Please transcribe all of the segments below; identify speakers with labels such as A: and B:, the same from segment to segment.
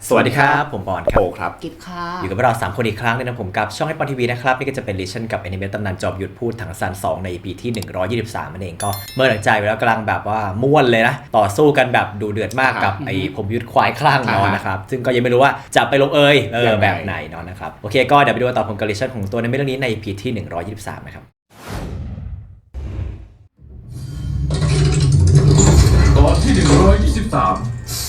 A: สวัสดีครับผมปอนครับโอครับ
B: กิฟค่ะ
A: อยู่กับเรา3คนอีกครั้งนึงนะผมกับช่องให้ปอนทีวีนะครับนี่ก็จะเป็นลิชั่นกับแอนิเมตตำนานจอมยุทธพูดถังซาน2ใน EP ที่123นั่นเองก็เมื่อหลังใจไปแล้วกำลังแบบว่าม่วนเลยนะต่อสู้กันแบบดูเดือดมากกับไอ้ผมยุทธควายคลั่งเนาะนะครับซึ่งก็ยังไม่รู้ว่าจะไปลงแบบไหนเนาะนะครับโอเคก็เดี๋ยวไปดูต่อผมกับลิชั่นของตัวในเรื่องนี้ใน EP ที่123นะครับ
C: ตอนที่123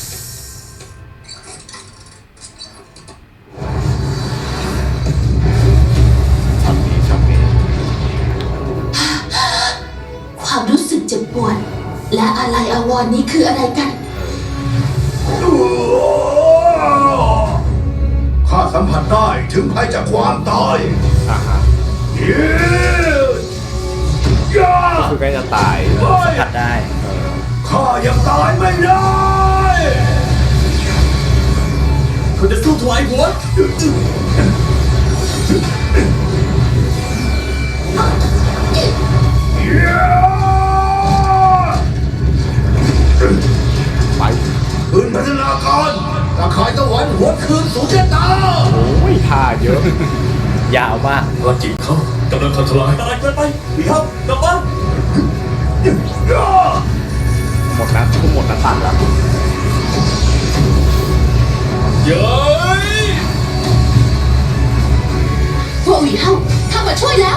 D: ความรู้สึกเจ็บปวดและอะไรอาวรณ์นี้คืออะไรกัน
E: ข้าสัมผัสได้ถึงภัยจากความตาย
F: คือใกล้จะตาย
A: สัมผัสได้
E: ข้ายังตายไม่ได้
C: เขาจะสู้ถวายหัว
F: ไป
E: คืนพัฒนาการตะขายตะวันหัวคืนสู่ชะตา
F: โอ้ยท่าเยอะ
A: ยาวมาก
C: พลังจิตเขากำลังทำทลายตายเกินไปพี่ครับกลับบ้าน
F: หมดนะทุกหมดนะตัดแล้ว
C: เย้ย
D: พวกหวีเฮาข้ามาช่วยแล้ว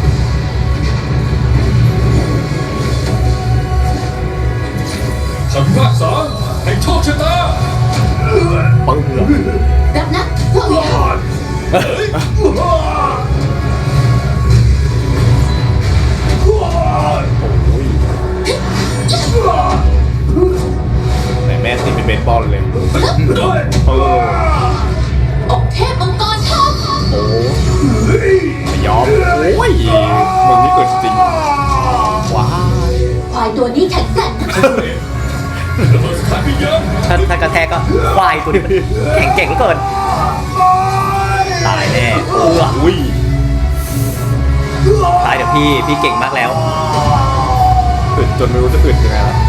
C: คำพิพากษาให้โชคชะตา
F: ปึ้งเลย
D: รับนะพวกหวีเฮา
F: ไหนแม่ตีเป็นเบสบอลเลย
D: อกเทพมังกรทอง
F: โอ้ไม่ยอมโอ้ยมึงนี่เกิดจริงว้า
D: ควายตัวนี้แข็งแกร่ง
C: ระเบิดสถานพิญญาณ
A: ถ้ากระแทกก็ควายตัวนี้มันแข็งเก่งเหลือเกินตายแน่
F: อุ้ย
A: ตายเดี๋ยวพี่เก่งมากแล้ว
F: อึดจนไม่รู้จะอึดยังไงแล้ว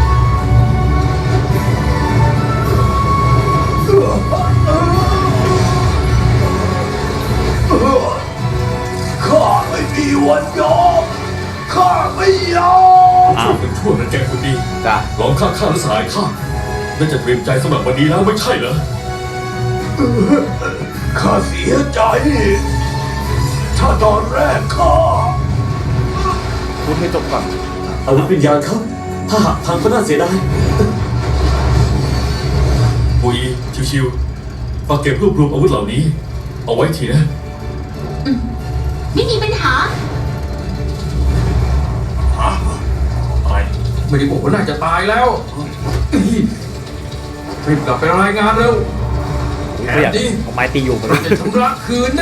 E: ข้าไม่มีวันยอมข้าไม่ยอม
C: ช่วยกันชั่วนั้นแกคนดี
F: จ้ะ
C: ลองฆ่าข้าและสหายข้าน่าจะเตรียมใจสำหรับวันนี้แล้วไม่ใช่เหรอ
E: ข้าเสียใจ ถ้าตอนแรกข้า
F: พูดให้จบก่อน
G: อาวุธวิญญาณเขาถ้าหากพังก็น่าเสียดาย
C: ปุยชิวๆฝากเก็บรวบรวมอาวุธเหล่านี้ เอาไว้ทีนะ
D: ไม่มีปัญหา
C: ตาย
H: ไม่ได้บอกว่าน่าจะตายแล้วรีบกลับไปรายงานเร็ว
A: ก็อยากเอาไม้ตีอยู่กัน
H: จะชำระคืนนะ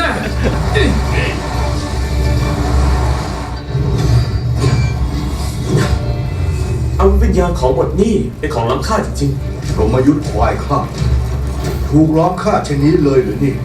G: อาวุธวิญญาณของบทนี้เป็นของล้ำค่าจริง
E: พรหมยุทธ์ควายข้าถูกล้อมฆ่าเช่นนี้เลยหรือนี่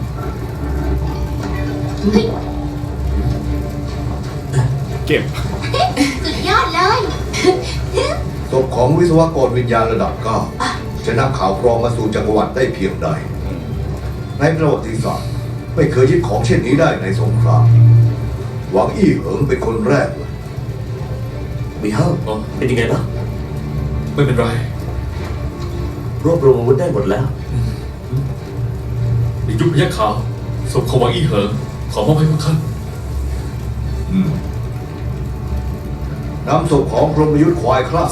F: เก็บ
D: สุดยอดเลย
E: ศพของวิศวกรวิญญาณระดับ9จะนำข่าวกรองมาสู่จักรวรรดิได้เพียงใด ในประวัติศาสตร์ไม่เคยยึดของเช่นนี้ได้ในสงคราม หวังอี้เหิงเป็นคนแรกเลย
G: ๆมีเฮ้าเป็นยังไงบ้าง
C: ไม่เป็นไร
G: รวบรวมอาวุธได้หมดแล้ว
C: ในยุคพยัคฆ์ขาวศพของหวังอี้เหิงขอมอบให้พวกท่าน
E: นำศพของพรหมยุทธ์ควายคลา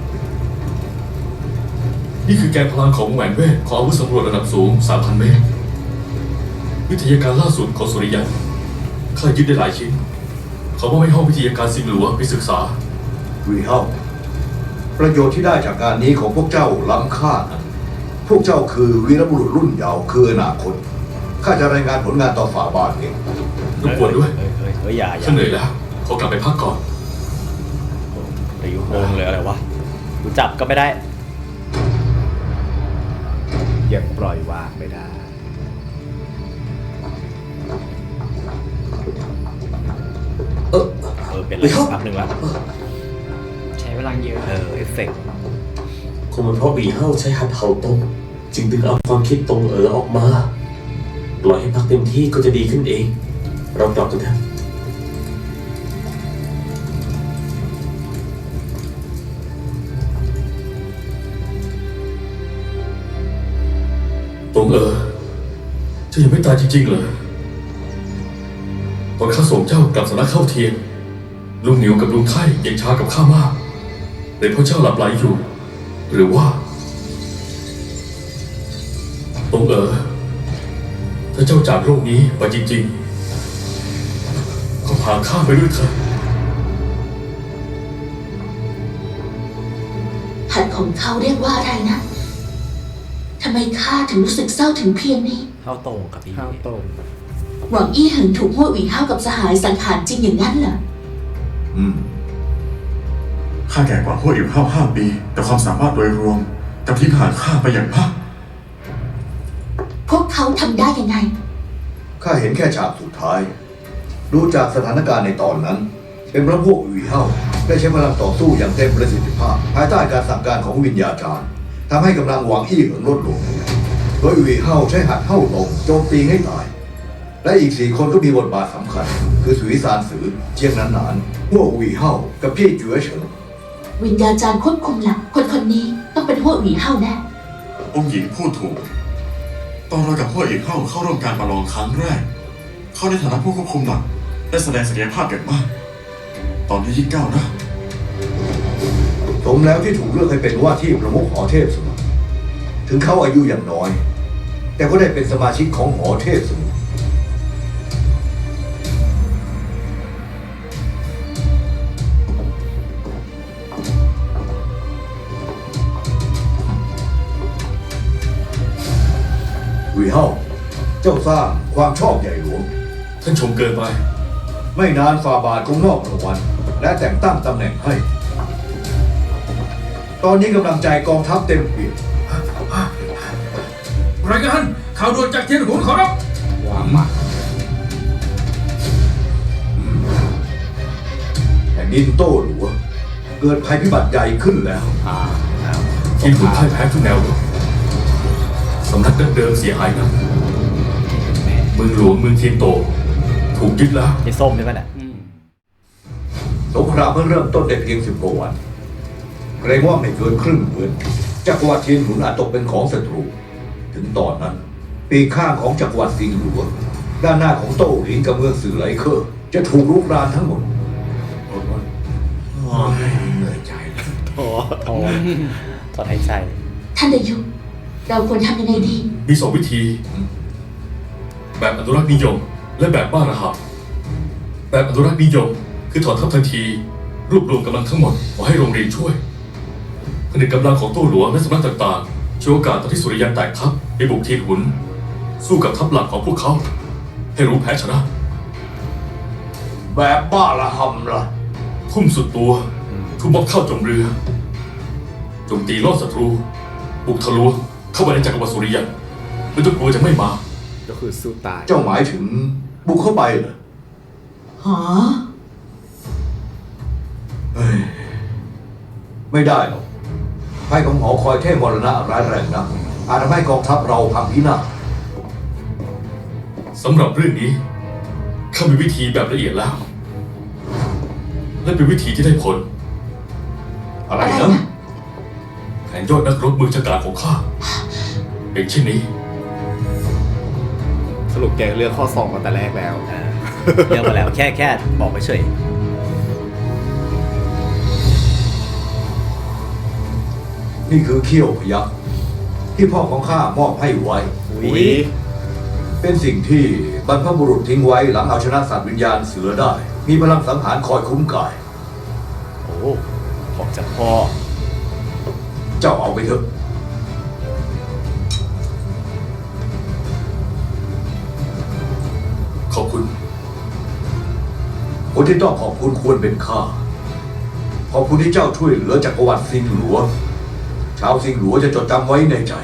C: นี่คือแกนพลังของแหวนเวทของอาวุธสำรวจระดับสูง 3,000 เมตร วิทยาการล่าสุดของสุริยันข้ายึดได้หลายชิ้นขอมอบให้ห้องวิทยาการสิงหลัวไปศึกษา
E: วีเฮาประโยชน์ที่ได้จากการนี้ของพวกเจ้าล้ำค่านะพวกเจ้าคือวีรบุรุษรุ่นเยาว์คืออนาคตข้าจะรายงานผลงานต่อฝ่าบาทเอง
C: รบกวนด้วย
A: เฮ้ยอย่า
C: ข้าเหนื่อยแล้วขอกลับไปพักก่อน
A: ตีอยู่โงเลยอะไรวะกูจับก็ไม่ได้
F: ยังปล่อยวางไม่ได้
A: เป็นอะไรแป๊บนึงแล้ว
B: ใช้พลังเยอะ
A: เอฟเฟกต์
G: คงเป็นเพราะบีเฮ้าใช้หัดเห่าตงจึงดึงเอาความคิดตรงออกมา ปล่อยให้พักเต็มที่ก็จะดีขึ้นเอง เรากลับกันเถอะ
C: ตงจะยังไม่ตายจริงๆเหรอตอนข้าส่งเจ้ากลับสำนักเข้าเทียนลุงเหนียวกับลุงไข่ยังช้ากับข้ามากเป็นเพราะเจ้าหลับไหลอยู่ หรือว่าตงถ้าเจ้าจากโลกนี้ไปจริงๆก็พาข้าไปด้วยเถอะ
D: หัดของเขาเรียกว่าอะไรนะทำไมข้าถึงรู้สึกเศร้าถึงเพียงนี้
A: เข้าตรงกับพี่
F: ข้าวต้ม
D: หวังอี้เหิงถูกหัวหวีเฮากับสหายสังหารจริงอย่างนั้นเหรอ
B: ข้าแก่กว่าพวกอิ๋วห้าปี แต่ความสามารถโดยรวมกับทิ้งห่างข้าไปอย่างมาก
D: พวกเขาทำได้ยังไง
E: ข้าเห็นแค่ฉากสุดท้าย ดูจากสถานการณ์ในตอนนั้น เป็นเพราะพวกอุ๋ยเฮาได้ใช้พลังต่อสู้อย่างเต็มประสิทธิภาพ ภายใต้การสั่งการของวิญญาจารย์ทำให้กำลังหวังอี้เหิงลดลง โดยอุ๋ยเฮาใช้หัดเฮาตงโจมตีให้ตาย และอีก4 คนก็มีบทบาทสำคัญ คือสุวิสานสือ เจียงหนานหัวอุ๋ยเฮากับพี่จั๋วเฉิง
D: วิญญาจารย์ควบคุมหลักคนนี้ต้องเป็นหัวหวีเฮาแน่
B: องค์หญิงพูดถูก ตอนเรากับพวกอิ๋วเข้าร่วมการประลองครั้งแรก เขาในฐานะผู้ควบคุมหลักได้แสดงศักยภาพอย่างมาก ตอนนี้ยิ่งก้าวหน้า
E: สมแล้วที่ถูกเลือกให้เป็นว่าที่ประมุขหอเทพสมุทรถึงเขาอายุอย่างน้อย แต่ก็ได้เป็นสมาชิกของหอเทพสมุทรวีเฮาเจ้าสร้างความชอบใหญ่หลวง
C: ท่านชมเกินไป
E: ไม่นานฝ่าบาทคงมอบรางวัลและแต่งตั้งตำแหน่งให้ ตอนนี้กำลังใจกองทัพเต็มเปี่ยม
H: รายงานข่าวด่วนจากเทียนหุนขอรับ
F: ว่ามา
E: แผ่นดินโต้หลัว เกิดภัยพิบัติใหญ่ขึ้นแล้ว
C: ทีมขุนพ่ายแพ้ทุกแนวรบสำนักดั้งเดิมเสียหายหนักเมืองหลวงเมืองเทียนโต ถูกยึดแล้ว
A: ไอ้ส้มใช่ไหมน่ะ
E: สงครามเพิ่งเริ่มต้นได้เพียง10 กว่าวันเกรงว่าไม่เกินครึ่งเดือนจักรวรรดิเทียนหนุนอาจตกเป็นของศัตรู ถึงตอนนั้น ปีกข้างของจักรวรรดิซิงหลัว ด้านหน้าของโต้หลินกับเมืองสื่อไหลเคอร์จะถูกรุกรานทั้งหมด
F: เหนื่อยใจแล้ว
A: โอ้โหตอนหายใจ
D: ท่านดายุเราควรทำยังไงดี
C: มี2 วิธี แบบอนุรักษ์นิยม และแบบบ้าระหับแบบอนุรักษ์นิยม คือถอนทัพทันที รวบรวมกำลังทั้งหมดขอให้โรงเรียนช่วยผนึกกำลังของโต้หลวงและสำนักต่างๆช่วยโอกาสตอนที่สุริยันแตกทัพไปบุกเทียนหุน สู้กับทัพหลักของพวกเขา ให้รู้แพ้ชนะ
E: แบบบ้าระหำล่ะ
C: ทุ่มสุดตัว ทุ่มม็อบเข้าจมเรือโจมตีล่อศัตรู บุกทะลวงเข้ามาในจักรวรรดิสุริยันไม่ต้องกลัวจะไม่มา
F: ก็คือสู้ตาย
E: เจ้าหมายถึงบุกเข้าไปเหรอ
D: หอ
E: เฮ้ยไม่ได้หรอกภัยของหอคอยเทพมรณะร้ายแรงนักอาจทำให้กองทัพเราพังพินาศ
C: สำหรับเรื่องนี้ข้ามีวิธีแบบละเอียดแล้ว และเป็นวิธีที่ได้ผล
E: อะไร
D: อะไร
E: นะ
D: นะ
C: แผนยอดนักรบมือฉกาจของข้าเป็นเช่นนี้
F: สรุปแกเลือกข้อ 2มาแต่แรกแล้ว
A: เรียกมาแล้วแค่บอกไปเฉย
E: นี่คือเขี้ยวพยัคฆ์ที่พ่อของข้ามอบให้ไว้
F: อุ้ย
E: เป็นสิ่งที่บรรพบุรุษทิ้งไว้หลังเอาชนะสัตว์วิญญาณเสือได้ มีพลังสังหารคอยคุ้มกาย
A: โอ้ของจากพ่อ
E: เจ้าเอาไปเถอะ
C: ขอบคุณ
E: คนที่ต้องขอบคุณควรเป็นข้า ขอบคุณที่เจ้าช่วยเหลือจักรวรรดิซิงหลัว ชาวซิงหลัวจะจดจำไว้ในใจ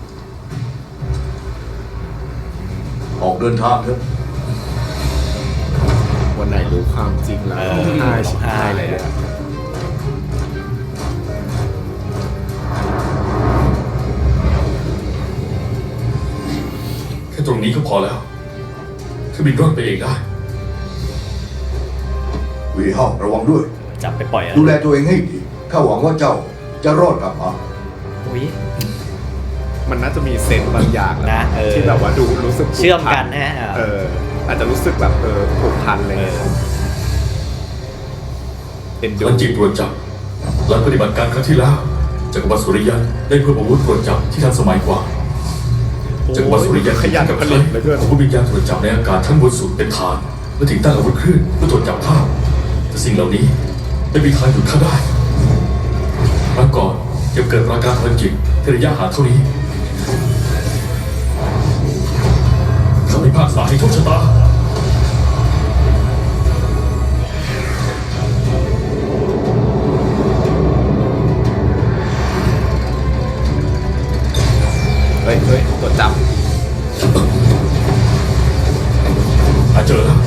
E: ออกเดินทางเถอะ
F: วันไหนรู้ความจริงแล้ว
A: เออ
F: ร้องไห้ชิบ
A: ร้องไห้
F: หายเลยอะ
C: ตรงนี้ก็พอแล้วเครื่องบินรอดไปเองได้
E: วีเฮาระวังด้วย
A: จับไปปล่อยอะไร
E: ดูแลตัวเองให้ดีข้าหวังว่าเจ้าจะรอดกลับมา
A: อุ้ย
F: มันน่าจะมีเซนส์บางอย่าง
A: นะเออ
F: ที่แบบว่าดูรู้สึกผู
A: เชื่อม
F: พั
A: กันนะฮะ
F: อาจจะรู้สึกแบบผูกพันอะไรเงี้ยเป็นดู
C: การจีบตรวจจับหลังปฏิบัติการครั้งที่แล้วจักรวรรดิสุริยันได้เพิ่มอาวุธตรวจจับที่ทันสมัยกว่าจักรวรรดิสุริยัน
F: ขยัน
C: กับ
F: ผ
C: ใช้
F: ลิตเหลือเกิน
C: อาวุธวิญญาณตรวจจับในอากาศทั้งบนสุดเป็นฐานเมื่อถึงตั้งอาวุธคลื่นเพื่อตรวจจับภาพแต่สิ่งเหล่านี้ไม่มีทางหยุดข้าได้ครั้งก่อนยังเกิดปราการพลังจิตที่ระยะห่างเท่านี้ข้าพิพากษาให้โชคชะตา
F: เฮ้ยตรวจจับ
C: เจอแล้ว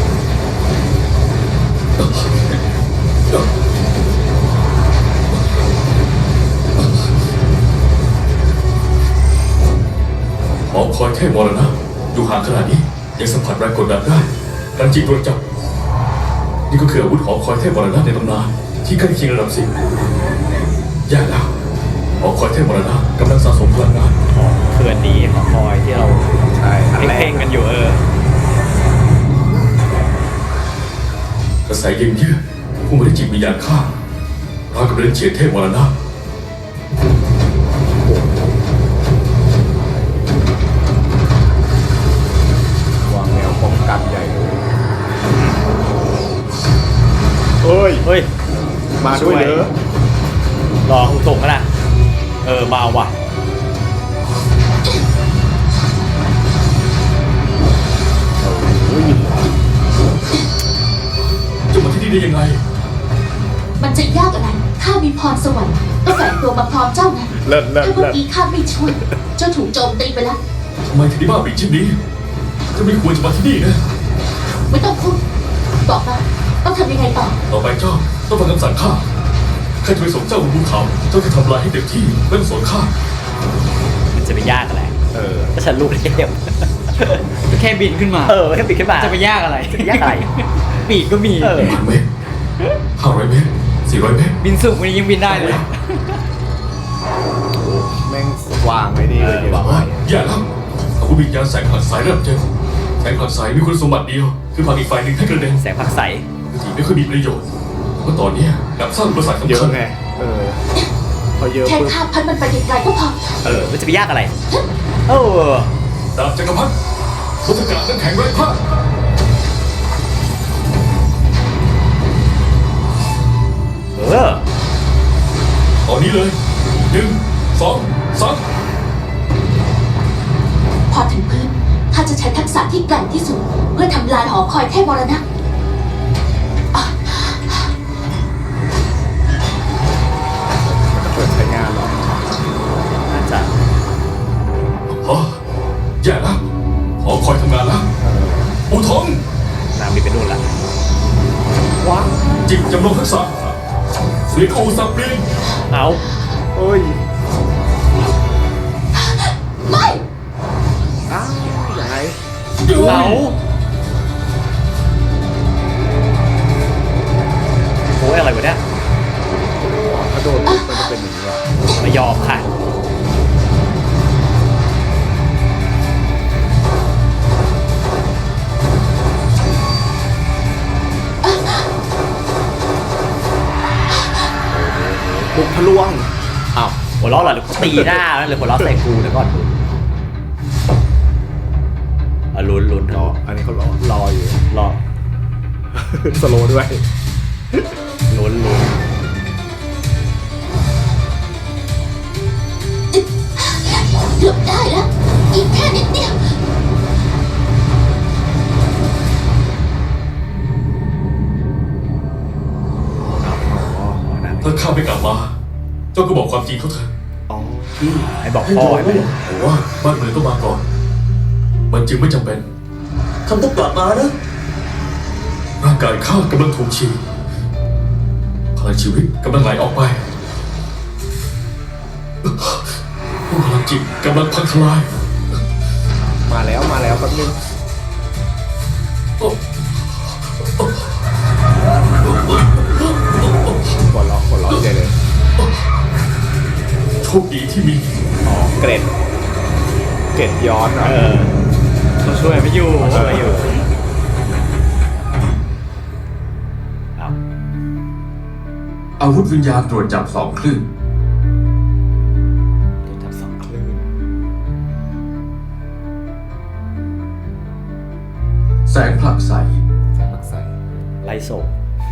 C: หอคอยแค่มรณะอยู่ห่างขนาดนี้ยังสัมผัสแรงกดดันได้การจิตตรวจจับนี่ก็คืออาวุธหอคอยเทพมรณะในตำนานที่ใกล้เคียงระดับสิบแย่แล้วหอคอยเทพมรณะกำลังสะสมพลังงาน
A: เขื่อนนี้หอคอยที่เรา
F: ใช่อันแร
A: เพ่
F: ก
A: งๆกันอยู่
C: กระแสเย็นเยือกผู้มาได้จิตวิญญาณข้าราวกับเดินเฉียดเทพมรณะ
F: วางแนวป้องกันใหญ่เลยเฮ้ย
A: เฮ้ย
F: มาด้วยเด้อ
A: รอส่งกันนะมาว่ะ
C: จะมาที่นี่ได้ยังไง
D: มันจะยากอะไรข้ามีพรสวรรค์ก็แฝงตัวมาพร้อมเจ้าไง
F: เลิศ
D: ถ้าเมื่อกี้ข้าไม่ช่วยเจ้าถูกโจมตีไปแล้ว
C: ทำไมถึงได้บ้าบิดเช่นนี้ก็ไม่ควรจะมาที่นี่นะ
D: ไม่ต้องพูดบอกมาต้องทำยังไงต่อ
C: ต่อไปเจ้าต้องฟังคำสั่งข้าข้าจะไปส่งเจ้าบนภูเขาเจ้าจะทำลายให้เต็มที่ไม่ต้องสนข้า
A: มันจะไปยากอะไรถ้าฉันลูกเทพ
I: แค่บินขึ้นมา
A: แค่ปิดขึ้นมา
I: จะไปยากอะไร
A: จะไปยากอะไร
I: ปีกก็มี
C: 1,000 เมตร 500 เมตร 400 เมตร
I: บินสูงกว่านี้ยังบินได้เลย
F: แม่งวางไว้นี่เลยเย
C: บอ
F: อะ
C: กว่าม
F: าก
C: อย่าแล้วอาวุธวิญญาณแสงผลักสายเริ่มเจ็บแสงผลักสายมีคุณสมบัติเดียว คือผลักอีกฝ่ายหนึ่งให้กระเด็น
A: แสงผักใส
C: ที่ไม่ค่อยมีประโยชน์เพราะตอนนี้กลับสร้างอุปสรรค
F: เย
C: สำคั
F: อะ
C: ญ
F: ไงพอเยอะ
D: แค่
F: ปุ๊บ
D: ข้าพัดมันไปไกลๆก็พอ
A: มันจะไปยากอะไร
C: ดาบจักรพรรดิพุทธกาลน้ำแข็งไร้ผ้า ตอนนี้เลย 1 2 3
D: พอถึงพื้นข้าจะใช้ทักษะที่แกร่งที่สุด เพื่อทำลายหอคอยเทพมรณะ
F: เปิดใช้งานหรอ
A: น่าจะ
C: ฮะแย่แล้วหอคอยทำงานแล้วอูทอง
A: นางบินไปนู่นละ
F: ว้า
C: จิตจำลองทักษะเสียงอูสับเปลี่ยน
A: เอา
F: เอ้ย
D: ไม่
F: อ้าวยังไง
A: เอาโอ้ยอะไรวะเนี่ย
F: กระโดดปุ๊บมันจะเป็นอย่างนี้ว่ะ
A: ไม่ยอมค่ะ
F: ปุ๊บทะลวงอ้าว
A: หัวเราะเหรอหรือตีหน้าหรือหัวเราะใส่กูเดี๋ยวก่อนลุ้น
F: รออันนี้เขารออยู่
A: รอ
F: สโลว์ด้วย
A: ลุ้น
D: เกือบได้แล้ว อีกแค่นิดเดียว
C: ถ้าข้าไม่กลับมา เจ้าก็บอกความจริงเขาเถอะ
F: อ๋อ
A: ให้บอกพ่อให้ไป
C: ผมว่าบ้านเมืองต้องมาก่อน มันจึงไม่จำเป็น
G: ท่านต้องกลับมานะ
C: ร่างกายข้ากำลังถูกฉีดพลังชีวิตกำลังไหลออกไปพลังจิตกำลังพังทลาย
F: มาแล้วแป๊บนึงหัวเราะใจเลย
C: โชคดีที่มี
F: อ๋อเกร็ดย้อนเหรอ
I: เขาช่วยไม่อยู่
A: ช่วยอยู่เอา
H: อาวุธวิญญาณตรวจจับ2 คลื่น
A: เดี๋ยวทำ2 คลื่น
H: แสงผลักใส
F: ใส่ปักใส่
A: ไล่ส่ง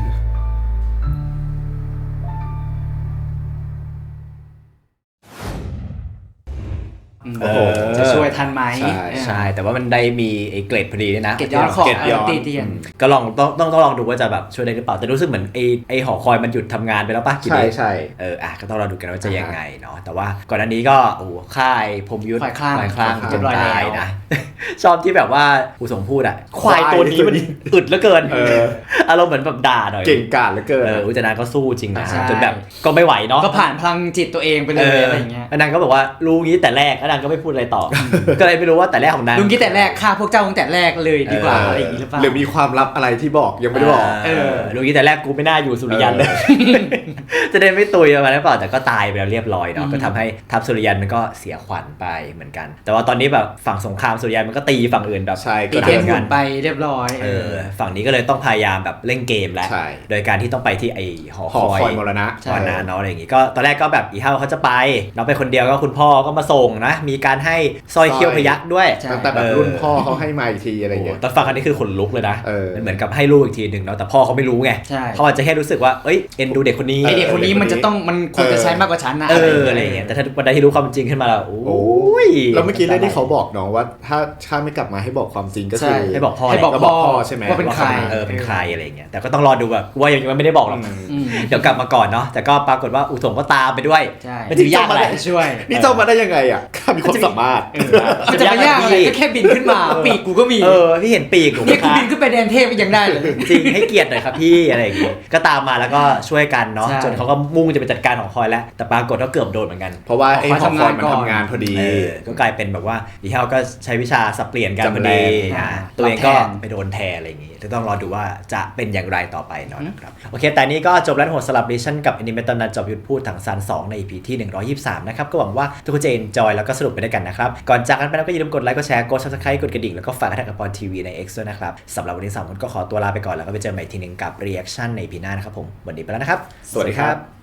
I: โอ้โหจะช่วยทันไหม
A: ใช่ แต่ว่ามันได้มีไอ้เกรดพอดีด้วยนะ
I: เกตย้อนของ
F: เกตย้อน
I: ตีเตียน
A: ก็ลองต้องลองดูว่าจะแบบช่วยได้หรือเปล่า แต่รู้สึกเหมือนไอ้หอคอยมันหยุดทำงานไปแล้วป่ะกี่
F: ใช่
A: เดือน
F: ใช่
A: ก็ต้องรอดูกันว่าจะยังไงเนาะ แต่ว่าก่อนหน้านี้ก็โอ้โหค่ายพรหมยุทธ์
I: ฝ่ายคลั่ง
A: ฝ่ายคลั่ง
I: เรี
A: จ
I: ย
A: น
I: บร้อย
A: ตาย
I: แล้ว
A: นะ ชอบที่แบบว่าผู้ส่งพูดอ่ะ ควายตัวนี้มันอึดเหลือเกิน อารมณ์เหมือนแบบด่าหน่อย
F: เก่งกาจเหลือเกิน
A: อุจนาก็สู้จริงนะ
I: ใช่
A: จนแบบก็ไม่ไหวเนาะ
I: ก็ผ่านพลังจิตตัวเองไปเลยอะไรอย่างเงี้ย
A: นางก็บอกว่ารู้งี้แต่แรกแล้วนางก็ไม่พูดอะไรต่อ ก็เลยไม่รู้ว่าแต่แรกของนาง
I: ลุงคิดแต่แรกฆ่าพวกเจ้าตั้งแต่แรกเลยดีกว่าอะไรอย่างงี้หรือเปล่า
F: หรือมีความลับอะไรที่บอกยังไม่ได้บอก
A: รู้งี้แต่แรกกูไม่น่าอยู่สุริยันเลย จะได้ไม่ตุยมาหรือเปล่าแต่ก็ตายไปแล้วเรียบร้อยเนาะก็ทำให้ทัพสุริยันมันก็เสียขวัญไปเหมือนกัน แต่ว่าตอนนี้แบบฝั่งสงครามสุริยันมันก็ตีฝั่งอื่นแบบ
F: ใช่
I: ตี
F: ก็
I: เทียน
A: ห
I: หมุ
A: มือน
I: ไปเรียบร้อย
A: ฝั่งนี้ก็เลยต้องพยายามแบบเล่นเกมแล้ว
F: ใช่
A: โดยการที่ต้องไปที่ไอหอ
F: หอคอยมรณะ
A: มรณะเนาะอะไรอย่างงี้ก็ตอนแรกก็แบบอีเฮาเขาจะไปน้องไปคนเดียวก็คุณพ่อก็มาส่งนะมีการให้สร้อยเขี้ยวพยัคฆ์ด้วย
I: ใช่
F: ตั้งแต่แบบรุ่นพ่อเขาให้มาอีกทีอะไรอย่างเงี้ย
A: ตอนฟังอันนี้คือขนลุกเลยนะ
F: มัน
A: เหมือนกับให้ลูกอีกทีหนึ่งเนาะแต่พ่อเขาไม่รู้ไง
I: ใช่
A: เขาอาจจะแค่รู้สึกว่าเอ้ยเอ็นดูเด็กคนนี้
I: ไอเด็กคนนี้มันจะต้องมันควรจะใช้มากกว่าฉันนะ
A: อะไรอย่างเงี้ยแต่ถ้าวันใดที่รู้ความจริงขึ้นมาแล้วโอ้ย
F: แล้วเมื่อกี้เรื่องที่เขาบอกน้องว่าถ้าไม่กลับมาให้บอกความจริงก็คือ
A: ให้บอกพ่อ
I: ให้บอก
F: ก็บอกพ่อใช่ไหม
I: ว่าเป็นใคร
A: เป็นใครอะไรอย่างเงี้ยแต่ก็ต้องรอดูแบบว่ายังไม่ได้บอกหรอก
I: อืม
A: เดี๋ยวกลับมาก่อนเนาะแต่ก็ปรากฏว่าอุทงก็ตามไปด้วย
I: ใช่
A: มันจะยากอะไร
I: ช่วย
F: นี่เจ้ามาได้ยังไงอ่ะข้ามีความสามารถ
I: มันจะไม่ยากอะไรก็แค่บินขึ้นมาปีกกูก็มี
A: พี่เห็นปีกหนูไหม
I: นี่กู
A: คะ
I: บินขึ้นไปแดนเทพยังได้เลย
A: จริงให้เกียรติหน่อยครับพี่อะไรอย่างงี้ก็ตามมาแล้วก็ช่วยกันเนาะ
I: ใช่
A: จนเขาก็มุ่งจะไปจัดการของคอยแล้วแต่ปรากฏว่าเกือบโดนเหมือนกัน
F: เพราะว่าไอ้หอคอยมัน
I: ก่อน
F: ทำงานพอดี
A: ก็กลายเป็นแบบว่าอีเฮาก็ใช้วิชาสับเปลี่ยนกันพอดี
F: จำแรง
A: ตัวเองก็
I: รับแทน
A: ไปโดนแทนอะไรอย่างงี้ต้องรอดูว่าจะเป็นอย่างไรต่อไปเนาะนะครับโอเคแต่นี้ก็จบแล้วโหดสลับดิชั่นกับแอนิเมตตำนานจอบยุทธพูดถังซาน2ใน EP ที่123นะครับก็หวังว่าทุกคนจะ enjoy แล้วก็สนุกไปด้วยกันนะครับก่อนจากกันไปแล้วก็อย่าลืมกดไลค์กดแชร์กด subscribe กดกระดิ่งแล้วก็ฝากกระดิ่งกับปอนทีวีใน X ด้วยนะครับสำหรับวันนี้3คนก็ขอตัวลาไปก่อนแล้วก็ไปเจอกันใหม่ทีนึงกับ reaction ใน EP หน้านะครับผมวันนี้ไปแล้วนะครับ
F: สวัสดีครับ